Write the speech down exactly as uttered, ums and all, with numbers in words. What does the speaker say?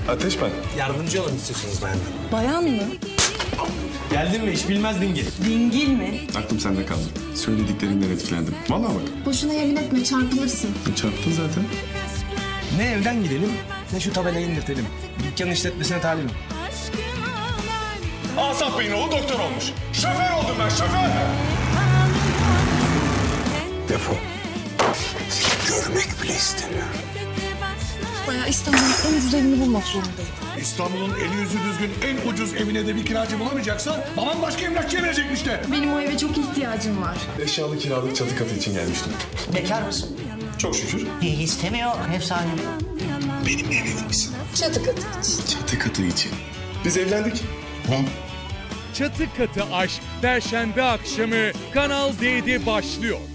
Ateş ben. Yardımcı olun istiyorsunuz benden. Bayan mı? Geldin mi? İş bilmez dingil. Dingil mi? Aklım sende kaldı. Söylediklerinden etkilendim. Vallahi bak. Boşuna yemin etme, çarpılırsın. Çarptın zaten. Ne evden gidelim, ne şu tabelayı indirtelim. Dükkan işletmesine talibim. Asaf Bey'in oğlu doktor olmuş. Şoför oldum ben, şoför. Defol. Görmek bile istemiyorum. Bayağı İstanbul'un en ucuz evini bulmak zorundayım. İstanbul'un eli yüzü düzgün en ucuz evine de bir kiracı bulamayacaksa babam başka emlakçıya verecekmiş de. Benim o eve çok ihtiyacım var. Eşyalı kiralık çatı katı için gelmiştim. Bekar mısın? Çok şükür. İyi istemiyor efsane. Benimle evlenir misin? Çatı katı için. Çatı katı için. Biz evlendik. Çatı Katı Aşk Perşembe akşamı Kanal D'de başlıyor.